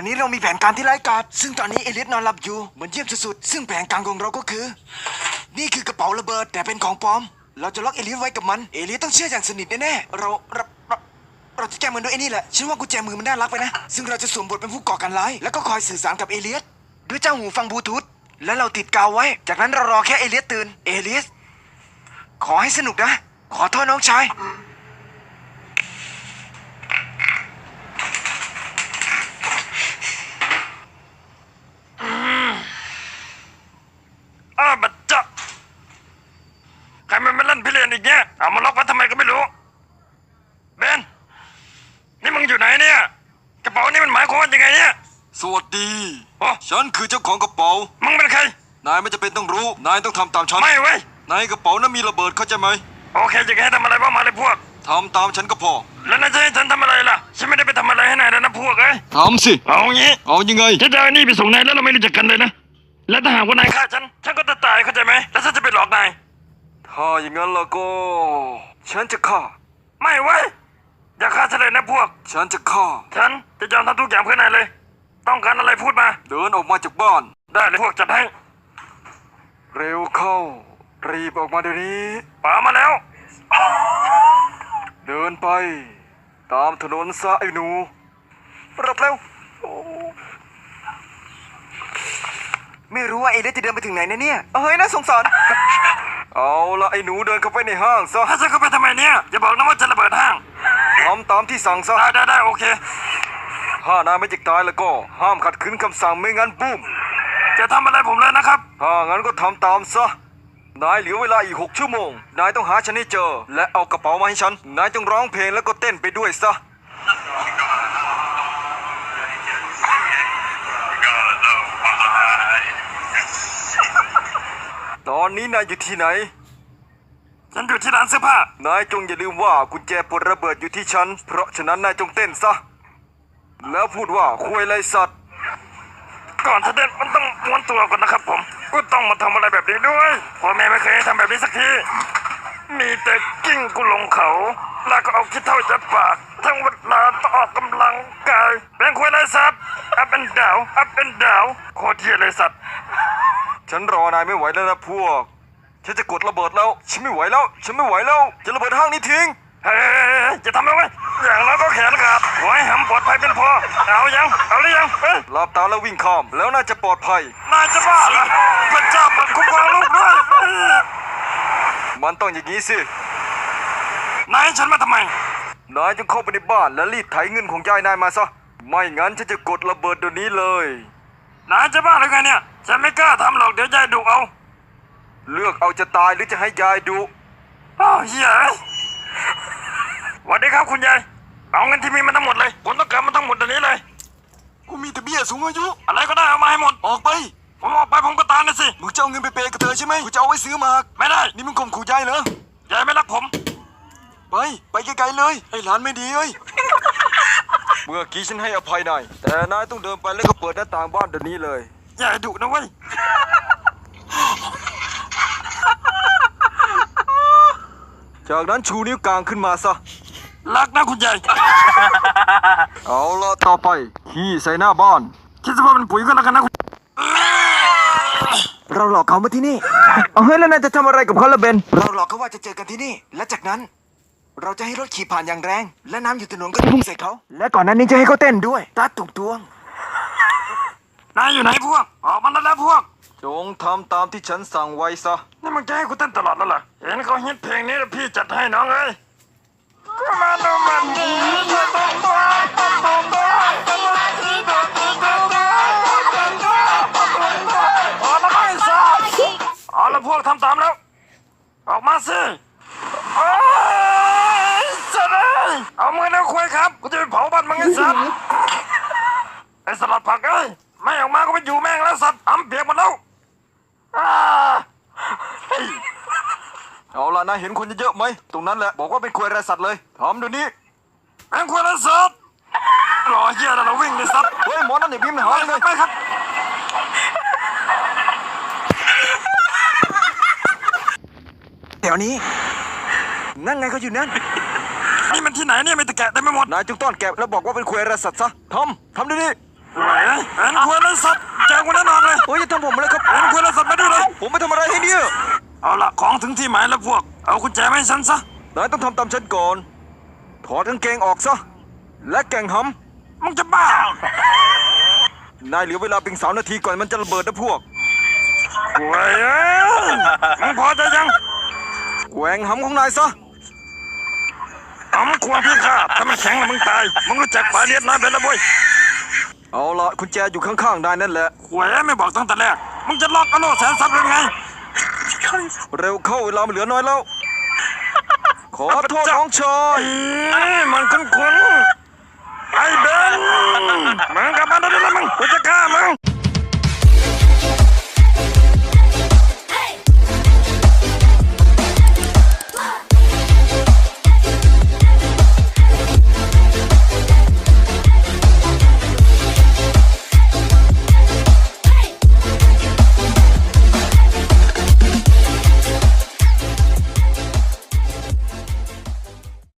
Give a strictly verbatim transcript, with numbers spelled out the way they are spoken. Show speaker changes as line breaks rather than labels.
นี้เรามีแผนการที่ร้ายกาจซึ่งตอนนี้เอลิสนอนหลับอยู่เหมือนเยี่ยมสุดๆซึ่งแผนการของเราก็คือนี่คือกระเป๋าระเบิดแต่เป็นของปลอมเราจะล็อกเอลิสไว้กับมันเอลิสต้องเชื่ออย่างสนิทแน่ๆเราเราเราเราจะแก้มือด้วยไอ้นี่แหละฉันว่ากุญแจมือมันน่ารักไปนะซึ่งเราจะสวมบทเป็นผู้ก่อการร้ายแล้วก็คอยสื่อสารกับเอลิสด้วยเจ้าหูฟังบลูทูธแล้วเราติดกาวไว้จากนั้นเรารอแค่เอลิสตื่นเอลิสขอให้สนุกนะขอโทษน้องชาย
อ้าบัดจ๊ะใครมันมาเล่นพิเรนอีกเนี่ยเอามาล็อกไว้ทำไมก็ไม่รู้เบนนี่มึงอยู่ไหนเนี่ยกระเป๋านี่มันหมายความว่ายังไงเนี่ย
สวัสดี
โอ้
ฉันคือเจ้าของกระเป๋า
มึงเป็นใคร
นายไม่จำเป็นต้องรู้นายต้องทำตามฉัน
ไม่เว้ย
ในกระเป๋านั้นมีระเบิดเข้าใจไหม
โอเคจะให้ทำอะไรบ้างมาเลยพวก
ทำตามฉันก็พอ
แล้วนายจะให้ฉันทำอะไรล่ะฉันไม่ได้ไปทำอะไรให้นายนะพวกเอ้ย
ทำสิ
เอางี้
เอายังไง
ฉันจะเอานี่ไปส่งนายแล้วเราไม่รู้จักกันเลยนะและถ้าหากว่านายฆ่าฉันฉันก็จะตายเข้าใจไหมแล้วฉันจะไปหลอกนาย
ถ้าอย่างนั้นแล้วก็ฉันจะฆ่า
ไม่เว้ยอย่าฆ่าฉันเลยนะพวก
ฉันจะฆ่า
ฉันจะยอมทำทุกอย่างเพื่อนายเลยต้องการอะไรพูดมา
เดินออกมาจากบ้าน
ได้เลยพวกจัดให้
เร็วเข้ารีบออกมาเดี๋ยวนี้
ป่ามาแล้ว
เดินไปตามถนนซะไอ้หนู
รับแล้วไม่รู้ว่าเอลิสจะเดินไปถึงไหนนะเนี่ยเฮ้ยน่าสงสาร
เอาละไอ้หนูเดินเข้าไปในห้างซะ
ถ้าฉันเข้าไปทำไมเนี่ยอย่าบอกนะว่าจะระเบิดห้าง
ทำตามที่สั่งซะ
ได้ได้ได้โอเค
ถ้านายไม่จิกตายแล้วก็ห้ามขัดขืนคำสั่งไม่งั้นบุ้ม
จะทำอะไรผมเลยนะครับ
ถ้างั้นก็ทำตามซะนายเหลือเวลาอีกหกชั่วโมงนายต้องหาฉันให้เจอและเอากระเป๋ามาให้ฉันนายต้องร้องเพลงแล้วก็เต้นไปด้วยซะตอนนี้นายอยู่ที่ไหน
ฉันอยู่ที่ร้านเสื้อผ้าน
ายจงอย่าลืมว่ากุญแจปลดระเบิดอยู่ที่ฉันเพราะฉะนั้นนายจงเต้นซะแล้วพูดว่าคุยไรสัตว์
ก่อนจะเต้นมันต้องม้วนตัวก่อนนะครับผมก็ต้องมาทำอะไรแบบนี้ด้วยพ่อแม่ไม่เคยให้ทำแบบนี้สักทีมีแต่กิ้งกูลงเขาแล้วก็เอาขี้เท่าจัดปากทั้งเวลาต้องออกกำลังกายเป็นคุยไรสัตว์อัพเป็นดาวอัพเป็นดาวโคตรเที่ยเลยสัตว์
ฉันรอนายไม่ไหวแล้วนะพวกฉันจะกดระเบิดแล้วฉันไม่ไหวแล้วฉันไม่ไหวแล้วจะระเบิดห้างนี้ทิ้ง
เฮ้ยจะทำอะไรอย่างน้อยก็แขนขาดหัวให้หำปลอดภัยเป็นพอเอายังเอาหรือยังเฮ้ย
หลับตาแล้ววิ่งข้ามแล้วน่าจะปลอดภัย
นายจะบ้าเหรอพระเจ้าเปิดคุ้มครองลูกด้วย
มันต้องอย่างนี้สิ
นายฉันมาทำไม
นายจงเข้าไปในบ้านและรีดไถเงินของยายนายมาซะไม่งั้นฉันจะกดระเบิดเดี๋ยวนี้เลย
นายจะบ้าหรือไงเนี่ยฉันไม่กล้าทำหรอกเดี๋ยวยายดุเอา
เลือกเอาจะตายหรือจะให้ยายดุ
อ้าวเฮียสวัสดีครับคุณยายเอาเงินที่มีมาทั้งหมดเลยผมต้องการมันทั้งหมดเดี๋ยวนี้เลย
กูมีแต่เบี้ยสูงอายุ
อะไรก็ได้เอามาให้หมด
ออกไป
ผมออกไปผมก็ตายนะสิ
มึงจะเอาเงินไปเปย์กับเธอใช่ไหมกูจะเอาไว้ซื้อหมาก
ไม่ได้
นี่มึงข่มขู่ยายเหร
อยายไม่รักผม
ไปไปไกลๆเลยไอ้หลานไม่ดีเอ้ยเมื่อกี้ฉันให้อภัยนายแต่นายต้องเดินไปแล้วก็เปิดหน้าต่างบ้านเดี๋ยวนี้เลย
ยายดุนะเว้ย
จากนั้นชูนิ้วกลางขึ้นมาซะ
รักนะคุณยาย
เอาละต่อไปขี้ใส่หน้าบ้าน
คิดว่าเป็นปุ๋ยก็แล้วกันนะ
เราหลอกเขามาที่นี่เอาเฮ้ยแล้วนายจะทำอะไรกับเขาล่ะเบนเราหลอกเขาว่าจะเจอกันที่นี่และจากนั้นเราจะให้รถขี่ผ่านอย่างแรงและน้ำอยู่ถนนก็พุ่งใส่เขาและก่อนนั้นนี้จะให้เขาเต้นด้วยตัดตุกตวง
นายอยู่ไหนพวกออกมาแล้วพวก
จงทำตามที่ฉันสั่งไว้ซะ
นี่มันจะให้กูเต้นตลอดแล้วเหรอเห็นเขาฮิตเพลงนี้แล้วพี่จัดให้น้องเอ้ยก็มาดูมันดีตัวตัวตัวตัวตัวพอแล้วไม่ทราบเอาละพวกทำตามแล้วออกมาสิโอ้ยสัตว์เอ้ยเอามือแล้วคุยครับกูจะไปเผาบ้านมึงไอ้สัตว์ไอ้สลัดผักเอ้ยไม่ออกมาก็ไปอยู่แม่งแล้วสัตว์อ้ำเปียกหมดแล้ว
เอาล่ะนายเห็นคนเยอะๆไหมตรงนั้นแหละบอกว่าเป็นควยไรสัตว์เลยทำเดี๋ยวนี้
เป็นควยไรสัตว์รอเหี้ยแล้วเราวิ่งเลยสัตว์
เฮ้ยหมอนั่นเนี่ยพิมพ์หาเลย
ไม่ครับ
แถวนี้นั่นไงเขาอยู่นั่น
นี่มันที่ไหนเนี่ยไม่ตะแกะได้ไม่หมด
นายจงต้อนแกะแล้วบอกว่าเป็นควยไรสัตว์ซะทำทำเดี๋ยวนี้
เฮ้ยเห็นควรแล้วสัตว์เจอกูแน่นอนเลย
เฮ้ยอย่าทำผมเลยครับ
เห็นควรแล้วสัตว์มาดิเลย
ผมไม่ทำอะไรให้เนี่ย
เอาละของถึงที่หมายแล้วพวก เอากุญแจมาให้ฉันซะ
นายต้องทำตามฉันก่อน ถอดกางเกงออกซะ และแก่งห
มึงจะบ้า
ำนายเหลือเวลาเพียงสามนาทีก่อนมันจะระเบิดนะพวก
เว้ยเอ้ยมึงพอใจยัง
แกว่งหำของนายซะ
อ๋อมควรพี่ข้าถ้ามันแข็งแล้วมึงตาย มึงรู้จักปลาเลียดน้อยเป็นละบ่ย
เอาละกุญแจอยู่ข้างๆนายนั่นแหละ
หวยไม่บอกตั้งแต่แรก มึงจะล็อกอโลแสนทรัพย์ยังไง
เร็วเข้าเวลามันเหลือน้อยแล้ว ขอโทษน้องชาย
อืมมันคุ้นๆไอ้เบนมึงกลับมาได้แล้วมึงกูจะฆ่ามึง